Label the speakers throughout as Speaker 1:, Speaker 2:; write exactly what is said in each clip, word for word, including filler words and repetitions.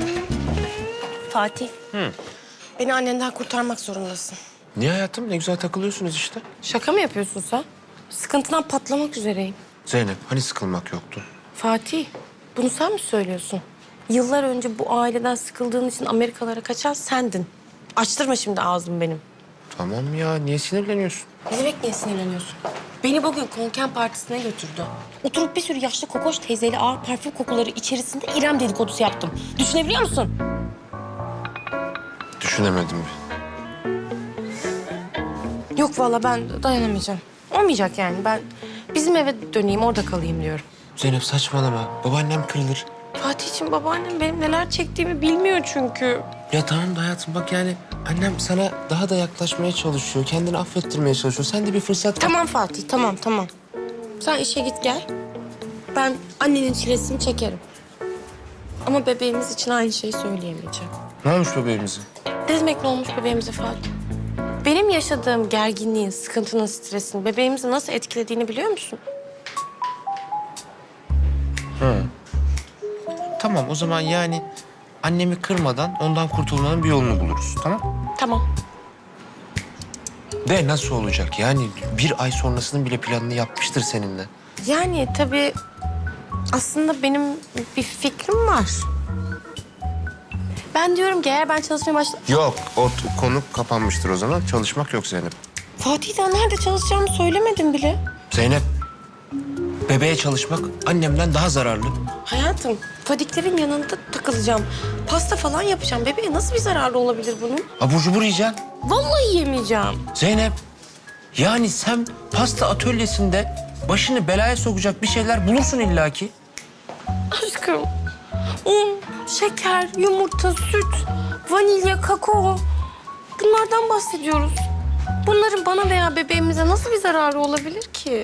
Speaker 1: Fatih.
Speaker 2: Hı.
Speaker 1: Beni annenden kurtarmak zorundasın.
Speaker 2: Niye hayatım? Ne güzel takılıyorsunuz işte.
Speaker 1: Şaka mı yapıyorsun sen? Sıkıntıdan patlamak üzereyim.
Speaker 2: Zeynep, hani sıkılmak yoktu?
Speaker 1: Fatih, bunu sen mi söylüyorsun? Yıllar önce bu aileden sıkıldığın için Amerikalara kaçan sendin. Açtırma şimdi ağzımı benim.
Speaker 2: Tamam ya, niye sinirleniyorsun?
Speaker 1: Ne demek niye sinirleniyorsun? Beni bugün konken partisine götürdü. Oturup bir sürü yaşlı kokoş teyzeyle ağır parfüm kokuları içerisinde İrem dedikodusu yaptım. Düşünebiliyor musun?
Speaker 2: Düşünemedim bir.
Speaker 1: Yok vallahi ben dayanamayacağım. Olmayacak yani. Ben bizim eve döneyim, orada kalayım diyorum.
Speaker 2: Zeynep saçmalama. Babaannem kırılır.
Speaker 1: Fatih'ciğim, babaannem benim neler çektiğimi bilmiyor çünkü.
Speaker 2: Ya tamam da hayatım bak yani annem sana daha da yaklaşmaya çalışıyor. Kendini affettirmeye çalışıyor. Sen de bir fırsat...
Speaker 1: Tamam Fatih, tamam tamam. Sen işe git gel. Ben annenin çilesini çekerim. Ama bebeğimiz için aynı şeyi söyleyemeyeceğim.
Speaker 2: Ne olmuş bebeğimize?
Speaker 1: Ne demek ne olmuş bebeğimize Fatih? Benim yaşadığım gerginliğin, sıkıntının, stresin bebeğimizi nasıl etkilediğini biliyor musun?
Speaker 2: Hı. Tamam o zaman yani annemi kırmadan ondan kurtulmanın bir yolunu buluruz. Tamam?
Speaker 1: Tamam.
Speaker 2: De nasıl olacak? Yani bir ay sonrasının bile planını yapmıştır seninle.
Speaker 1: Yani tabii aslında benim bir fikrim var. Ben diyorum ki eğer ben çalışmaya başla...
Speaker 2: Yok, o t- konu kapanmıştır o zaman. Çalışmak yok Zeynep.
Speaker 1: Fatih, daha nerede çalışacağımı söylemedim bile.
Speaker 2: Zeynep, bebeğe çalışmak annemden daha zararlı.
Speaker 1: Hayatım, Fadiklerin yanında takılacağım. Pasta falan yapacağım. Bebeğe nasıl bir zararı olabilir bunun?
Speaker 2: Abur cubur yiyeceksin.
Speaker 1: Vallahi yemeyeceğim.
Speaker 2: Zeynep, yani sen pasta atölyesinde başını belaya sokacak bir şeyler bulursun illaki.
Speaker 1: Aşkım, un, şeker, yumurta, süt, vanilya, kakao. Bunlardan bahsediyoruz. Bunların bana veya bebeğimize nasıl bir zararı olabilir ki?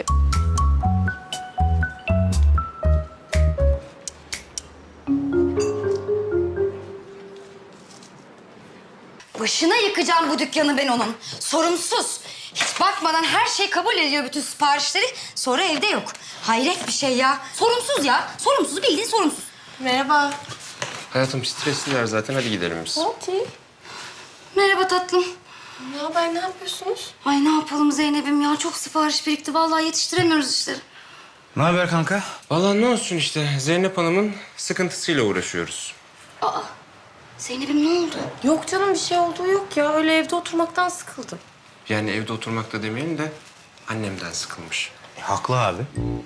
Speaker 3: Başına yıkacağım bu dükkanı ben onun. Sorumsuz. Hiç bakmadan her şeyi kabul ediyor, bütün siparişleri. Sonra evde yok. Hayret bir şey ya. Sorumsuz ya. Sorumsuz, bildiğin sorumsuz.
Speaker 1: Merhaba.
Speaker 2: Hayatım stresliler zaten. Hadi gidelim biz.
Speaker 1: Fatih.
Speaker 3: Merhaba tatlım.
Speaker 1: Ne haber, ne yapıyorsunuz?
Speaker 3: Ay ne yapalım Zeynep'im ya. Çok sipariş birikti. Vallahi yetiştiremiyoruz işleri.
Speaker 4: Ne haber kanka?
Speaker 2: Vallahi ne olsun işte. Zeynep Hanım'ın sıkıntısıyla uğraşıyoruz.
Speaker 3: Aa, Zeynep'im ne oldu?
Speaker 1: Yok canım, bir şey olduğu yok ya. Öyle evde oturmaktan sıkıldım.
Speaker 2: Yani evde oturmakta demeyelim de annemden sıkılmış.
Speaker 4: E, haklı abi.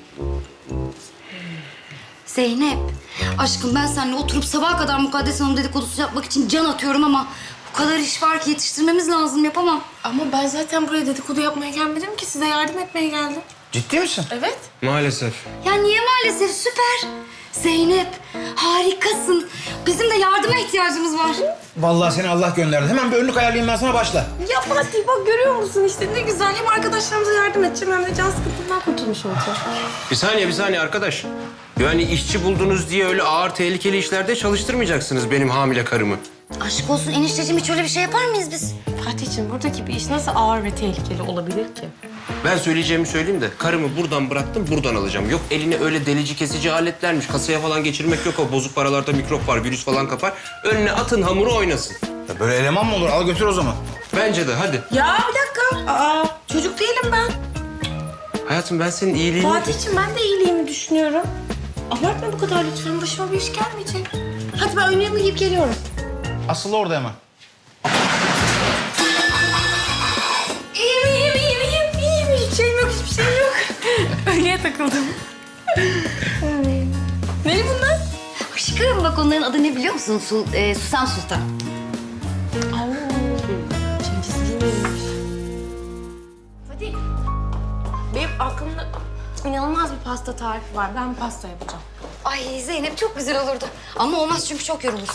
Speaker 3: Zeynep, aşkım ben seninle oturup sabaha kadar Mukaddes Hanım dedikodusu yapmak için can atıyorum ama... ...bu kadar iş var ki yetiştirmemiz lazım, yapamam.
Speaker 1: Ama ben zaten buraya dedikodu yapmaya gelmedim ki. Size yardım etmeye geldim.
Speaker 4: Ciddi misin?
Speaker 1: Evet.
Speaker 2: Maalesef.
Speaker 3: Ya niye maalesef? Süper. Zeynep, harikasın. Bizim de yardıma ihtiyacımız var.
Speaker 4: Vallahi seni Allah gönderdi. Hemen bir önlük ayarlayayım ben sana, başla.
Speaker 1: Ya Fatih, bak görüyor musun işte ne güzel. Hem arkadaşlarımıza yardım edeceğim hem de can sıkıntımdan kurtulmuş olacağım.
Speaker 2: Bir saniye, bir saniye arkadaş. Yani işçi buldunuz diye öyle ağır tehlikeli işlerde çalıştırmayacaksınız benim hamile karımı.
Speaker 3: Aşk olsun enişteciğim, hiç öyle bir şey yapar mıyız biz?
Speaker 1: Fatih'ciğim, buradaki bir iş nasıl ağır ve tehlikeli olabilir ki?
Speaker 2: Ben söyleyeceğimi söyleyeyim de karımı buradan bıraktım, buradan alacağım. Yok eline öyle delici kesici aletlermiş. Kasaya falan geçirmek yok, o bozuk paralarda mikrop var, virüs falan kapar. Önüne atın, hamuru oynasın.
Speaker 4: Ya böyle eleman mı olur? Al götür o zaman.
Speaker 2: Bence de hadi.
Speaker 1: Ya bir dakika. Aa, çocuk değilim ben.
Speaker 2: Hayatım ben senin iyiliğini...
Speaker 1: Fatih'ciğim, ben de iyiliğimi düşünüyorum. Abartma bu kadar lütfen. Başıma bir iş gelmeyecek. Hadi ben önlüğümü giyip geliyorum.
Speaker 4: Asıl orada hemen.
Speaker 1: İyiyim, iyiyim, iyiyim, iyiyim, iyiyim. Hiçbir şeyim yok, hiçbir şeyim yok. Öyleye takıldım. Ne bunlar?
Speaker 3: Aşkım bak, onların adı ne biliyor musun? Su, e, Susam Sultan.
Speaker 1: Oo, Cengizliymiş. Fatih, benim aklımda inanılmaz bir pasta tarifi var. Ben pasta yapacağım.
Speaker 3: Ay Zeynep, çok güzel olurdu. Ama olmaz çünkü çok yorulursun.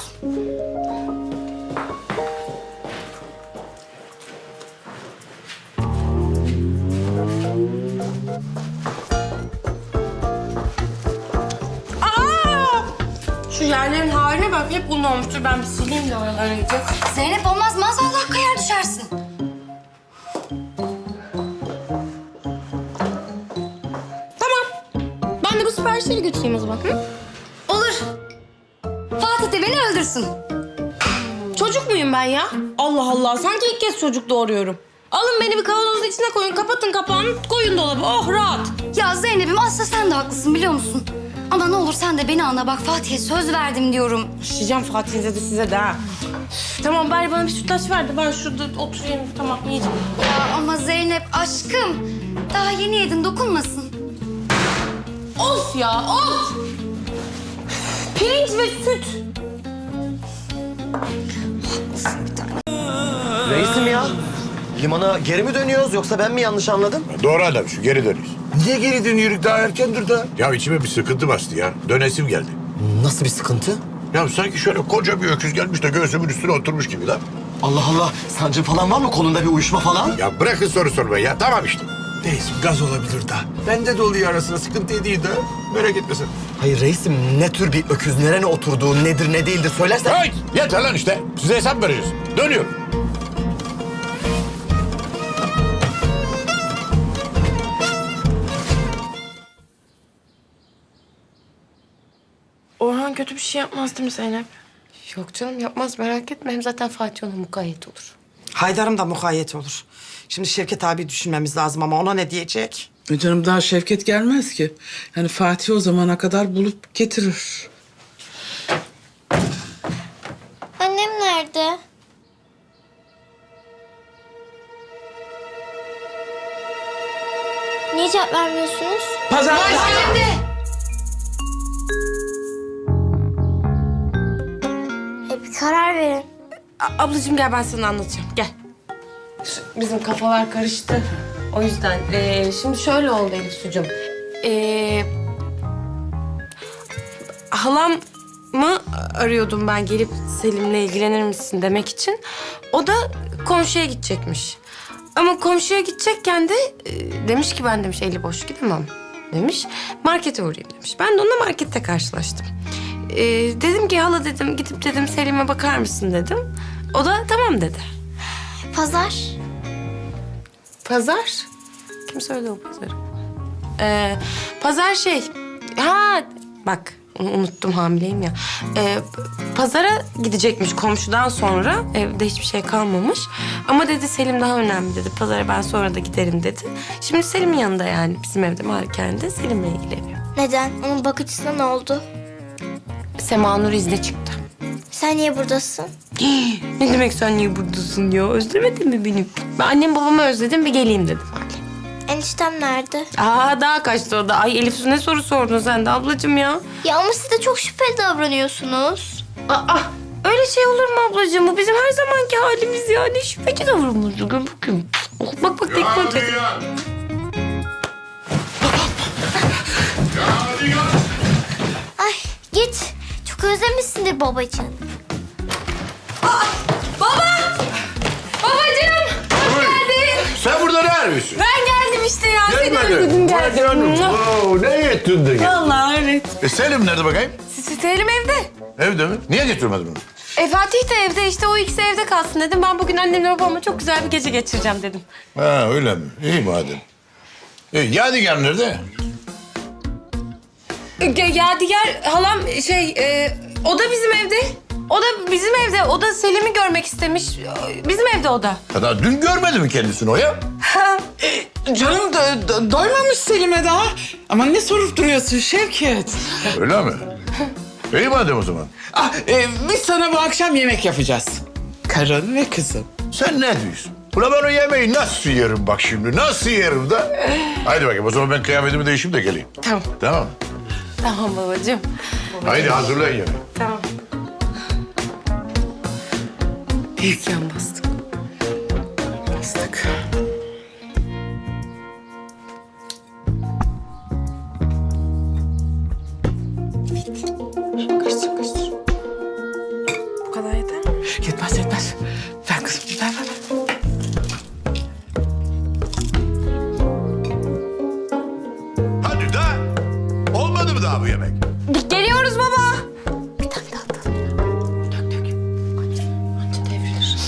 Speaker 1: Şu yerlerin haline bak, hep un olmuştur. Ben bir sileyim de oraları iyice.
Speaker 3: Zeynep olmaz, maazallah kayar düşersin.
Speaker 1: Tamam. Ben de bu siparişleri götüreyim o zaman. Hı?
Speaker 3: Olur. Fatih de beni öldürsün.
Speaker 1: Çocuk muyum ben ya? Allah Allah, sanki ilk kez çocuk doğuruyorum. Alın beni bir kavanozun içine koyun, kapatın kapağını, koyun dolaba. Oh rahat.
Speaker 3: Ya Zeynep'im aslında sen de haklısın biliyor musun? Ama ne olur sen de beni anla bak Fatih'e söz verdim diyorum.
Speaker 1: Şişeceğim Fatih'inize de size de ha. Üf, tamam bari bana bir sütlaç ver de ben şurada oturayım. Tamam yiyeceğim.
Speaker 3: Ya ama Zeynep aşkım daha yeni yedin dokunmasın.
Speaker 1: Of ya of! Pirinç ve süt.
Speaker 5: Reisim ya, limana geri mi dönüyoruz yoksa ben mi yanlış anladım?
Speaker 6: Doğru adam şu geri dönüyoruz. Niye geri dönüyoruz daha erkendir da? Ya içime bir sıkıntı bastı ya. Dönesim geldi.
Speaker 5: Nasıl bir sıkıntı?
Speaker 6: Ya sanki şöyle koca bir öküz gelmiş de göğsümün üstüne oturmuş gibi lan.
Speaker 5: Allah Allah, sancı falan var mı? Kolunda bir uyuşma falan?
Speaker 6: Ya bırakın soru sormayı ya. Tamam işte. Neyse gaz olabilir da. Bende de oluyor arasında sıkıntı değil de. Merak etme sen.
Speaker 5: Hayır reisim, ne tür bir öküz, nerene oturduğu, nedir ne değildir söylersen...
Speaker 6: Hayır yeter lan işte. Size hesap vereceğiz. Dönüyorum.
Speaker 1: Orhan kötü bir şey yapmaz değil mi Zeynep?
Speaker 7: Yok canım yapmaz merak etme. Hem zaten Fatih ona mukayyet olur.
Speaker 8: Haydar'ım da mukayyet olur. Şimdi Şevket abi düşünmemiz lazım ama ona ne diyecek?
Speaker 9: E canım daha Şevket gelmez ki. Yani Fatih o zamana kadar bulup getirir.
Speaker 10: Annem nerede? Niye cevap vermiyorsunuz?
Speaker 9: Pazar...
Speaker 10: E bir karar verin.
Speaker 1: A- ablacığım gel ben sana anlatacağım. Gel.
Speaker 7: Şu- Bizim kafalar karıştı. O yüzden ee, şimdi şöyle oldu Elif sucuğum.
Speaker 1: Ee, halamı arıyordum ben gelip Selim'le ilgilenir misin demek için. O da komşuya gidecekmiş. Ama komşuya gidecekken de e, demiş ki ben demiş eli boş gidemem demiş. Markete uğrayayım demiş. Ben de onunla markette karşılaştım. Ee, dedim ki hala dedim gidip dedim Selim'e bakar mısın dedim. O da tamam dedi.
Speaker 10: Pazar.
Speaker 1: Pazar? Kim söyledi o pazarı? Ee, pazar şey... Ha bak onu unuttum hamileyim ya. Ee, pazara gidecekmiş komşudan sonra. Evde hiçbir şey kalmamış. Ama dedi Selim daha önemli dedi. Pazara ben sonra da giderim dedi. Şimdi Selim'in yanında yani bizim evde malikanede Selim'le ilgileniyor.
Speaker 10: Neden? Onun bakıcısına ne oldu?
Speaker 1: Sema Nur izne çıktı.
Speaker 10: Sen niye buradasın?
Speaker 1: Ne demek sen niye buradasın ya? Özlemedin mi beni? Ben annem babamı özledim bir geleyim dedim.
Speaker 10: Eniştem nerede?
Speaker 1: Aa daha kaçtı o da. Ay Elif ne soru sordun sen de ablacığım ya.
Speaker 10: Ya ama siz de çok şüpheli davranıyorsunuz.
Speaker 1: Aa öyle şey olur mu ablacığım? Bu bizim her zamanki halimiz ya. Ne şüpheci davranıyoruz. Gel bakayım. Oh, bak bak tekme atacak.
Speaker 10: Ay git. Çok özlemişsindir babacığım.
Speaker 1: Babacığım hoş geldin.
Speaker 6: Sen burada ne arıyorsun?
Speaker 1: Ben geldim işte ya. Seni
Speaker 6: Gelmedin.
Speaker 1: özledim
Speaker 6: Vay
Speaker 1: geldim.
Speaker 6: canım. Oo, ne ettin de gel.
Speaker 1: Vallahi evet.
Speaker 6: E Selim nerede bakayım?
Speaker 1: Selim evde.
Speaker 6: Evde mi? Niye getirmedin onu?
Speaker 1: E Fatih de evde işte o ikisi evde kalsın dedim. Ben bugün annemle babamla çok güzel bir gece geçireceğim dedim.
Speaker 6: Ha öyle mi? İyi madem. E, Yadigar nerede?
Speaker 1: Ya, Yadigar halam şey e, o da bizim evde. O da bizim evde. O da Selim'i görmek istemiş. Bizim evde o da.
Speaker 6: Ya daha dün görmedi mi kendisini o ya?
Speaker 9: Canım do do- doymamış Selim'e daha. Ama ne sorup duruyorsun Şevket?
Speaker 6: Öyle mi? İyi madem o zaman.
Speaker 9: Ah, e, biz sana bu akşam yemek yapacağız. Karın ve kızım.
Speaker 6: Sen ne diyorsun? Ulan ben o yemeği nasıl yerim bak şimdi? Nasıl yerim da? Haydi bakayım o zaman ben kıyafetimi değişeyim de geleyim.
Speaker 1: Tamam.
Speaker 6: Tamam mı?
Speaker 1: Tamam babacığım.
Speaker 6: Haydi hazırlayın yemeği.
Speaker 1: Tamam. Büyük yan bastık.
Speaker 9: Bastık.
Speaker 1: Kaçtır kaçtır. Bu kadar yeter mi?
Speaker 9: Yetmez yetmez. Ver kızım ver ver ver.
Speaker 6: Hadi da. Olmadı mı daha bu yemek?
Speaker 1: Geliyoruz baba.
Speaker 10: Bir tane daha atalım.
Speaker 1: Dök dök. Anca, anca devrilir.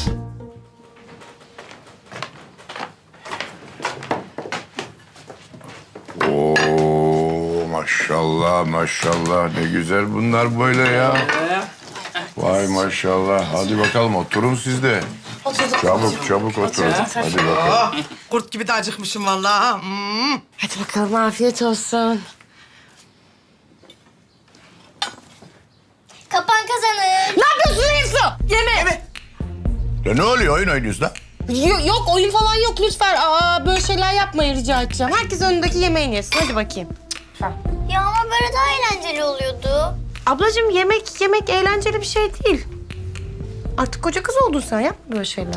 Speaker 6: Oo maşallah maşallah ne güzel bunlar böyle ya. Ay maşallah. Hadi bakalım oturun siz de. Çabuk çabuk oturun. Hadi bakalım.
Speaker 8: Kurt gibi de acıkmışım vallahi. ha. Hmm.
Speaker 7: Hadi bakalım afiyet olsun.
Speaker 10: Kapan kazanır.
Speaker 1: Ne yapıyorsun Elifsu? Yeme.
Speaker 6: Ya ne oluyor oyun oynuyorsun lan?
Speaker 1: Yo- yok oyun falan yok lütfen. Aa, böyle şeyler yapmayın rica edeceğim. Herkes önündeki yemeğini yesin. Hadi bakayım.
Speaker 10: Ya ama böyle daha eğlenceli oluyordu.
Speaker 1: Ablacığım yemek yemek eğlenceli bir şey değil. Artık koca kız oldun sen. Yapma böyle şeyler.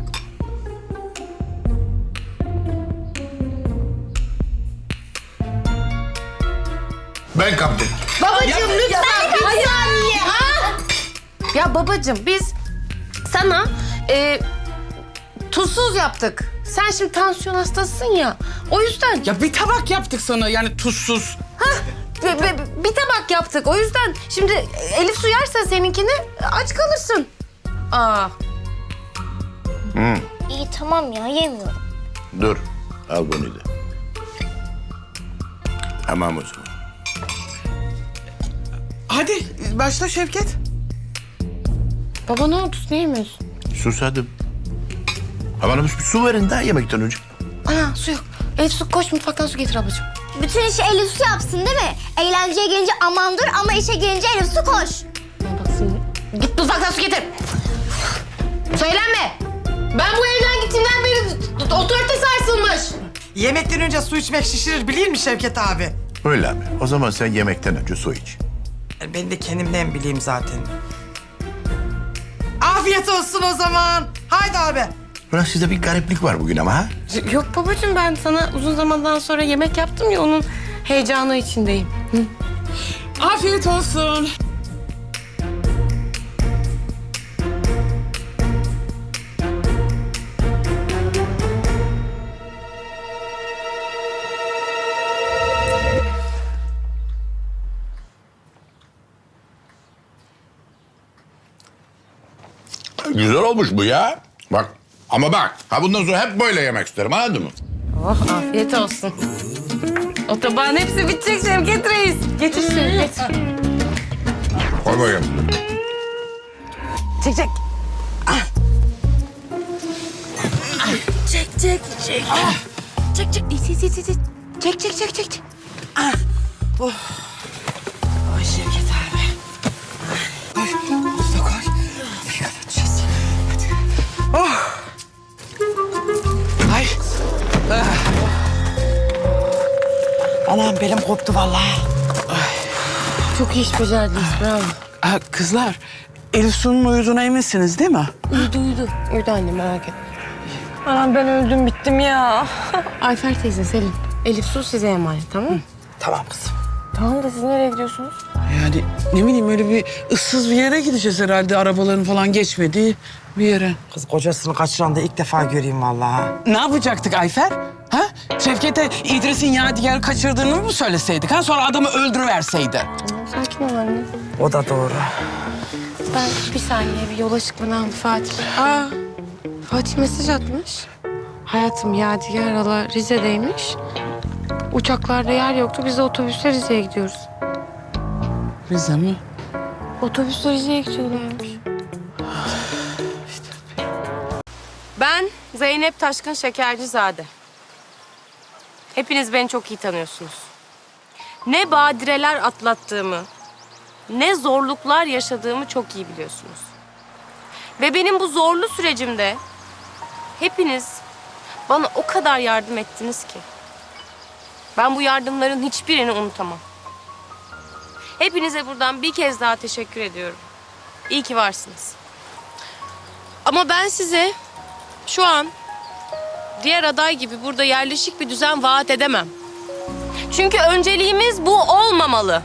Speaker 6: Ben kapten.
Speaker 1: Babacığım lütfen. Hayır anne. Ha? Ya babacığım biz sana e, tuzsuz yaptık. Sen şimdi tansiyon hastasısın ya. O yüzden
Speaker 9: Ya bir tabak yaptık sana yani tuzsuz.
Speaker 1: Be- be- bir tabak yaptık. O yüzden şimdi Elif su yerse seninkini aç kalırsın. Aa.
Speaker 10: İyi tamam ya yemiyorum.
Speaker 6: Dur. Al bunu da. Tamam o zaman.
Speaker 9: Hadi başla Şevket.
Speaker 1: Baba ne oldu? Ne yemiyorsun?
Speaker 6: Susadım. Ha bana bir su verin daha yemekten önce.
Speaker 1: Ana su yok. Elif su koş mutfaktan su getir ablacığım.
Speaker 10: Bütün işi Elif Su yapsın değil mi? Eğlenceye gelince aman dur ama işe gelince Elif Su koş.
Speaker 1: Bak şimdi. Git mutfaktan su getir. Söylenme. Ben bu evden gittiğimden beri otorite sarsılmış.
Speaker 8: Yemekten önce su içmek şişirir biliyor musun Şevket abi?
Speaker 6: Öyle mi? O zaman sen yemekten önce su iç.
Speaker 8: Ben de kendimden bileyim zaten. Afiyet olsun o zaman. Haydi abi.
Speaker 6: Ulan sizde bir gariplik var bugün ama ha?
Speaker 1: Yok babacığım ben sana uzun zamandan sonra yemek yaptım ya onun heyecanı içindeyim. Hı.
Speaker 9: Afiyet olsun.
Speaker 6: Güzel olmuş bu ya. Bak ama bak. Ha bundan sonra hep böyle yemek isterim anladın mı?
Speaker 1: Oh afiyet olsun. O tabağın hepsi bitecek Şevket Reis. Getir şunu getir.
Speaker 6: Koy bakayım.
Speaker 1: Çek çek. Çek çek çek. Çek çek. İt, it, it, it, it. Çek çek çek çek. çek.
Speaker 8: Ay Şevket abi. Ay, bunu da koy. Bir kapatacağız. Hadi. Oh. Ay. Ah. Anam belim koptu vallahi.
Speaker 1: Çok iyi iş becerdiniz bravo.
Speaker 9: Ha, kızlar Elif Su'nun uyuduğuna eminsiniz değil mi?
Speaker 1: Uyudu uyudu. Uyudu anne merak etme. Anam ben öldüm bittim ya. Ayfer teyze Selin. Elif Su size emanet tamam mı?
Speaker 8: Tamam kızım.
Speaker 1: Tamam da siz nereye gidiyorsunuz?
Speaker 9: Yani ne bileyim öyle bir ıssız bir yere gideceğiz herhalde. Arabaların falan geçmediği bir yere.
Speaker 8: Kız kocasını kaçıran da ilk defa göreyim vallahi.
Speaker 9: Ne yapacaktık Ayfer? Ha? Şevket'e İdris'in Yadigar'ı kaçırdığını mı söyleseydik? Ha? Sonra adamı öldürüverseydi.
Speaker 1: Tamam sakin ol anne.
Speaker 8: O da doğru.
Speaker 1: Ben bir saniye bir yola çıkmadan Fatih. Aa, Fatih mesaj atmış. Hayatım Yadigar hala Rize'deymiş. Uçaklarda yer yoktu. Biz de otobüsle Rize'ye gidiyoruz.
Speaker 9: Rize mi?
Speaker 1: Otobüsle Rize'ye gidiyorlarmış. Ben Zeynep Taşkın Şekercizade. Hepiniz beni çok iyi tanıyorsunuz. Ne badireler atlattığımı, ne zorluklar yaşadığımı çok iyi biliyorsunuz. Ve benim bu zorlu sürecimde hepiniz bana o kadar yardım ettiniz ki. Ben bu yardımların hiçbirini unutamam. Hepinize buradan bir kez daha teşekkür ediyorum. İyi ki varsınız. Ama ben size şu an diğer aday gibi burada yerleşik bir düzen vaat edemem. Çünkü önceliğimiz bu olmamalı.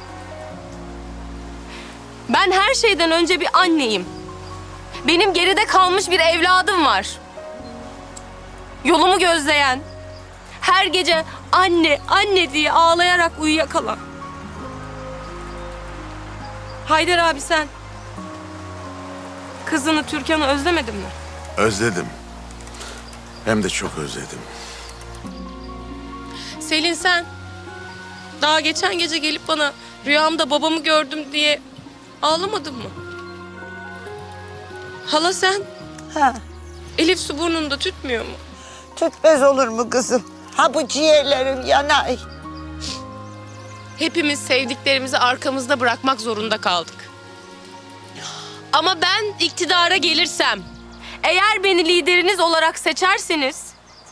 Speaker 1: Ben her şeyden önce bir anneyim. Benim geride kalmış bir evladım var. Yolumu gözleyen, her gece anne, anne diye ağlayarak uyuyakalan. Haydar abi sen kızını Türkan'ı özlemedin mi?
Speaker 6: Özledim. Hem de çok özledim.
Speaker 1: Selin sen daha geçen gece gelip bana rüyamda babamı gördüm diye ağlamadın mı? Hala sen?
Speaker 8: Ha,
Speaker 1: Elif su burnunda tütmüyor mu?
Speaker 8: tütmez olur mu kızım? Ha bu ciğerlerim yanay.
Speaker 1: Hepimiz sevdiklerimizi arkamızda bırakmak zorunda kaldık. Ama ben iktidara gelirsem, eğer beni lideriniz olarak seçerseniz,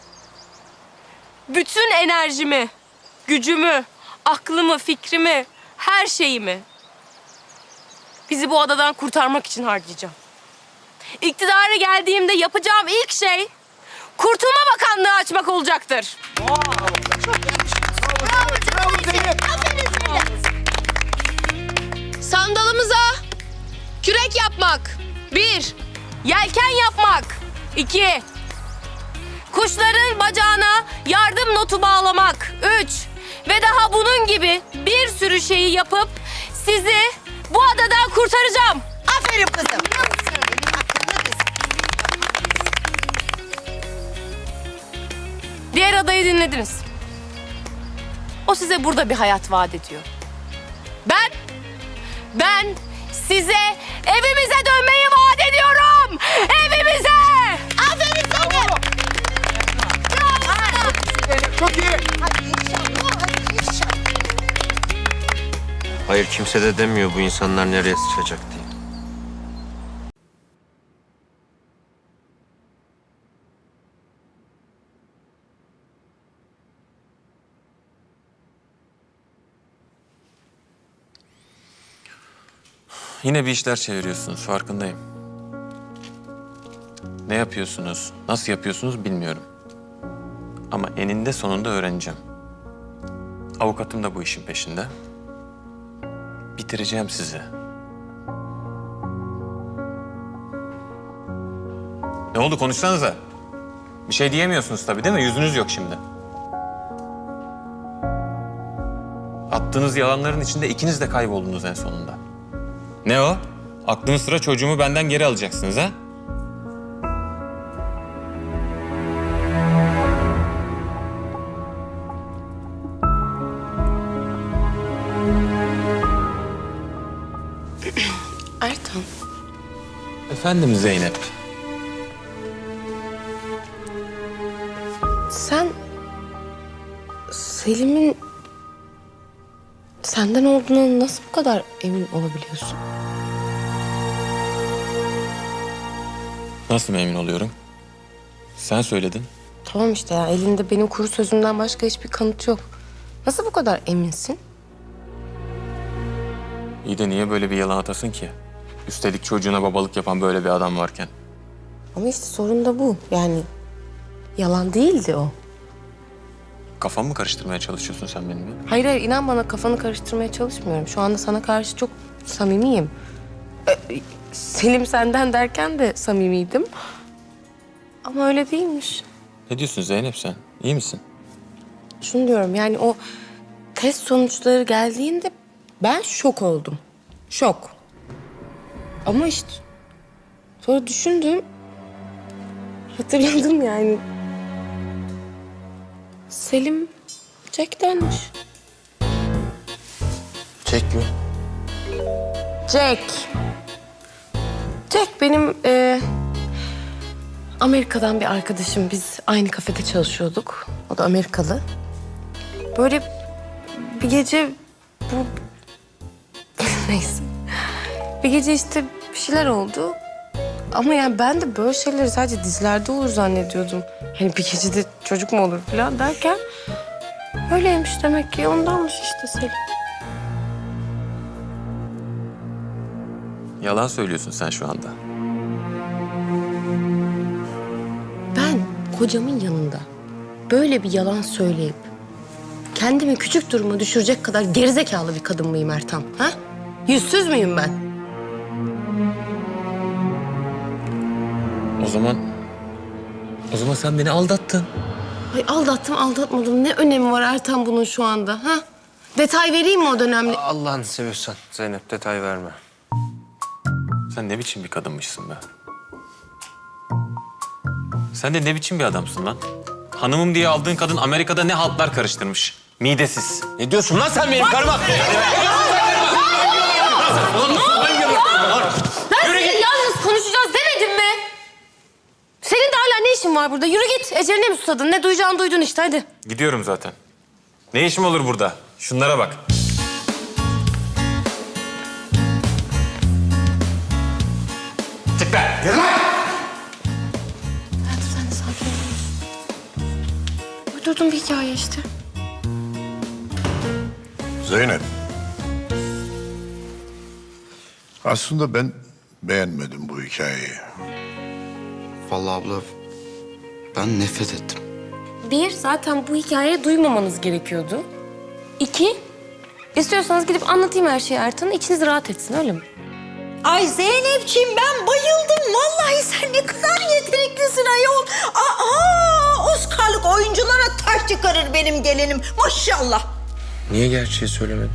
Speaker 1: bütün enerjimi, gücümü, aklımı, fikrimi, her şeyimi bizi bu adadan kurtarmak için harcayacağım. İktidara geldiğimde yapacağım ilk şey Kurtulma Bakanlığı açmak olacaktır. Sandalımıza kürek yapmak. Bir, yelken yapmak. İki, kuşların bacağına yardım notu bağlamak. Üç, ve daha bunun gibi bir sürü şeyi yapıp sizi bu adadan kurtaracağım.
Speaker 8: Aferin kızım.
Speaker 1: Diğer adayı dinlediniz. O size burada bir hayat vaat ediyor. Ben, ben size evimize dönmeyi vaat ediyorum. Evimize! Aferin sana!
Speaker 4: Çok iyi.
Speaker 8: Hadi inşallah, hadi inşallah.
Speaker 2: Hayır kimse de demiyor bu insanlar nereye sıçacak diye.
Speaker 11: Yine bir işler çeviriyorsunuz, farkındayım. Ne yapıyorsunuz, nasıl yapıyorsunuz bilmiyorum. Ama eninde sonunda öğreneceğim. Avukatım da bu işin peşinde. Bitireceğim sizi. Ne oldu, konuşsanıza. Bir şey diyemiyorsunuz tabii değil mi? Yüzünüz yok şimdi. Attığınız yalanların içinde ikiniz de kayboldunuz en sonunda. Ne o? Aklınız sıra çocuğumu benden geri alacaksınız ha?
Speaker 1: Ertan,
Speaker 11: Efendim Zeynep.
Speaker 1: sen Selim'in senden olduğuna nasıl bu kadar emin olabiliyorsun?
Speaker 11: Nasıl emin oluyorum? Sen söyledin.
Speaker 1: Tamam işte ya, elinde benim kuru sözümden başka hiçbir kanıt yok. Nasıl bu kadar eminsin?
Speaker 11: İyi de niye böyle bir yalan atasın ki? Üstelik çocuğuna babalık yapan böyle bir adam varken.
Speaker 1: Ama işte sorun da bu. Yani yalan değildi o.
Speaker 11: Kafamı mı karıştırmaya çalışıyorsun sen benimle?
Speaker 1: Hayır hayır, inan bana, kafanı karıştırmaya çalışmıyorum. Şu anda sana karşı çok samimiyim. Ee, Selim senden derken de samimiydim. Ama öyle değilmiş.
Speaker 11: Ne diyorsun Zeynep sen? İyi misin?
Speaker 1: Şunu diyorum, yani o test sonuçları geldiğinde ben şok oldum. Şok. Ama işte sonra düşündüm. Hatırladım yani. Selim Jack'tenmiş.
Speaker 5: Çek mi?
Speaker 1: Jack. Jack benim e, Amerika'dan bir arkadaşım. Biz aynı kafede çalışıyorduk. O da Amerikalı. Böyle bir gece bu... Neyse. Bir gece işte bir şeyler oldu. Ama yani ben de böyle şeyleri sadece dizilerde olur zannediyordum. Hani bir gecede çocuk mu olur falan derken... Öyleymiş demek ki. Ondanmış işte Selim.
Speaker 11: Yalan söylüyorsun sen şu anda.
Speaker 1: Ben kocamın yanında böyle bir yalan söyleyip kendimi küçük duruma düşürecek kadar gerizekalı bir kadın mıyım Ertan? Ha? Yüzsüz müyüm ben?
Speaker 11: O zaman... O zaman sen beni aldattın.
Speaker 1: Ay aldattım aldatmadım. Ne önemi var Ertan bunun şu anda? Ha? Detay vereyim mi o dönemli?
Speaker 2: Allah'ını seviyorsan Zeynep detay verme.
Speaker 11: Sen ne biçim bir kadınmışsın be? Sen de ne biçim bir adamsın lan? Hanımım diye aldığın kadın Amerika'da ne haltlar karıştırmış. Midesiz.
Speaker 2: Ne diyorsun lan sen benim karıma?
Speaker 1: Ben size yalnız konuşacağız demedim mi? işin var burada? Yürü git. Eceline mi susadın? Ne duyacağını duydun işte, hadi.
Speaker 11: Gidiyorum zaten. Ne işim olur burada? Şunlara bak. Çık be!
Speaker 1: Hayatım sen de sakin ol. Uydurdum bir hikaye işte.
Speaker 6: Zeynep. Aslında ben beğenmedim bu hikayeyi.
Speaker 12: Vallahi abla ben nefret ettim.
Speaker 1: Bir, zaten bu hikayeyi duymamanız gerekiyordu. İki, istiyorsanız gidip anlatayım her şeyi Ertan'a. İçiniz rahat etsin, öyle mi?
Speaker 8: Ay Zeynepciğim ben bayıldım. Vallahi sen ne kadar yeteneklisin ayol. Aa, Oscar'lık oyunculara taş çıkarır benim gelinim. Maşallah.
Speaker 2: Niye gerçeği söylemedin?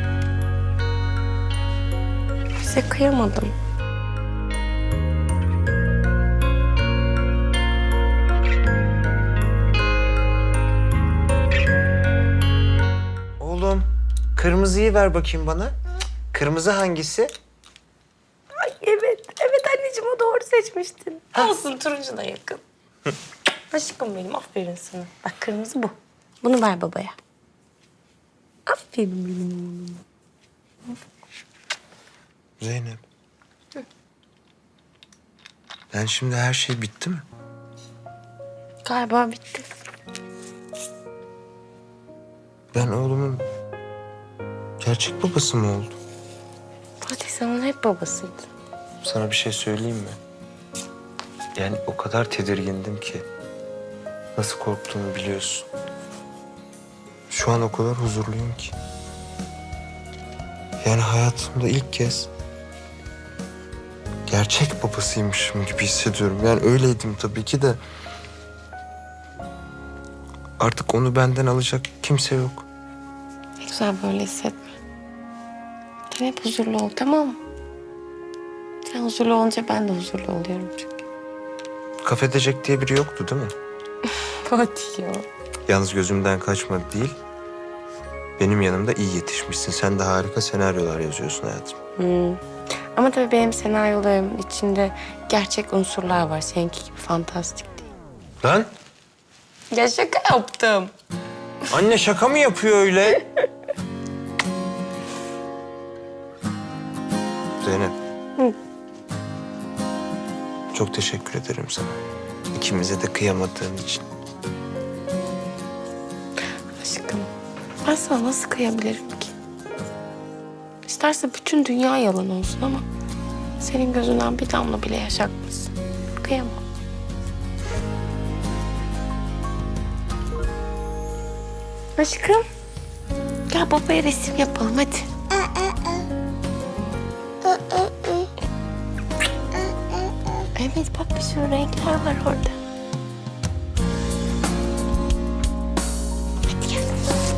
Speaker 1: Size kıyamadım.
Speaker 5: Oğlum kırmızıyı ver bakayım bana. Kırmızı hangisi?
Speaker 1: Ay evet, evet anneciğim o doğru seçmiştin. Olsun, turuncu da yakın. Aşkım benim, aferin sana. Bak kırmızı bu. Bunu ver babaya. Aferin benim.
Speaker 2: Zeynep. Ben şimdi her şey bitti mi?
Speaker 1: Galiba bitti.
Speaker 2: Ben oğlumun gerçek babası mı oldum?
Speaker 1: Fatih sen onun hep babasıydın.
Speaker 2: Sana bir şey söyleyeyim mi? Yani o kadar tedirgindim ki. Nasıl korktuğumu biliyorsun. Şu an o kadar huzurluyum ki. Yani hayatımda ilk kez gerçek babasıymışım gibi hissediyorum. Yani öyleydim tabii ki de. Artık onu benden alacak kimse yok.
Speaker 1: Ne güzel böyle hissetme. Sen hep huzurlu ol, tamam mı? Sen huzurlu olunca ben de huzurlu oluyorum çünkü.
Speaker 2: Kafedecek diye biri yoktu değil mi?
Speaker 1: Fatih ya.
Speaker 2: Yalnız gözümden kaçmadı değil. Benim yanımda iyi yetişmişsin. Sen de harika senaryolar yazıyorsun hayatım.
Speaker 1: Hmm. Ama tabii benim senaryolarımın içinde gerçek unsurlar var. Seninki gibi fantastik değil.
Speaker 2: Lan
Speaker 1: Ya şaka yaptım.
Speaker 2: anne şaka mı yapıyor öyle? Zeynep.
Speaker 1: Hı.
Speaker 2: Çok teşekkür ederim sana. İkimize de kıyamadığın için.
Speaker 1: Aşkım, ben sana nasıl kıyabilirim ki? İsterse bütün dünya yalan olsun ama senin gözünden bir damla bile yaş akmasın. Kıyamam. Aşkım, gel babaya resim yapalım hadi. Evet bak bir sürü renkler var orada. Hadi gel.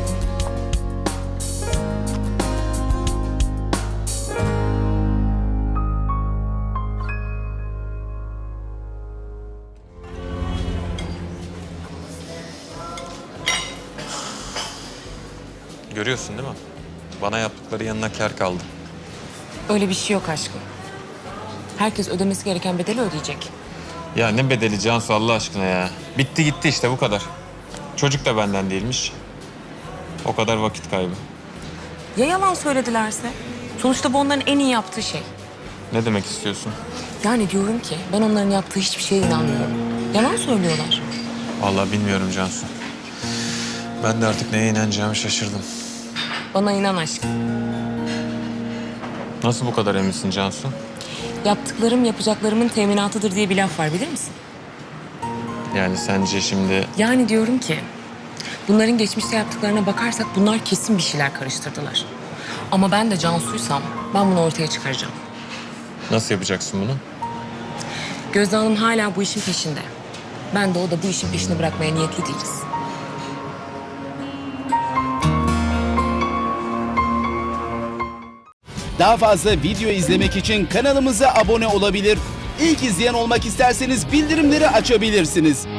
Speaker 11: Görüyorsun değil mi? Bana yaptıkları yanına kâr kaldı.
Speaker 9: Öyle bir şey yok aşkım. Herkes ödemesi gereken bedeli ödeyecek.
Speaker 11: Ya ne bedeli Cansu Allah aşkına ya. Bitti gitti işte bu kadar. Çocuk da benden değilmiş. O kadar vakit kaybı.
Speaker 9: Ya yalan söyledilerse? Sonuçta bu onların en iyi yaptığı şey.
Speaker 11: Ne demek istiyorsun?
Speaker 9: Yani diyorum ki ben onların yaptığı hiçbir şeye inanmıyorum. Yalan söylüyorlar.
Speaker 11: Vallahi bilmiyorum Cansu. Ben de artık neye inanacağımı şaşırdım.
Speaker 9: Bana inan aşkım.
Speaker 11: Nasıl bu kadar eminsin Cansu?
Speaker 9: Yaptıklarım yapacaklarımın teminatıdır diye bir laf var, bilir misin?
Speaker 11: Yani sence şimdi...
Speaker 9: Yani diyorum ki bunların geçmişte yaptıklarına bakarsak bunlar kesin bir şeyler karıştırdılar. Ama ben de Cansu'ysam ben bunu ortaya çıkaracağım.
Speaker 11: Nasıl yapacaksın bunu?
Speaker 9: Gözde Hanım hala bu işin peşinde. Ben de o da bu işin peşini bırakmaya niyetli değiliz.
Speaker 13: Daha fazla video izlemek için kanalımıza abone olabilir. İlk izleyen olmak isterseniz bildirimleri açabilirsiniz.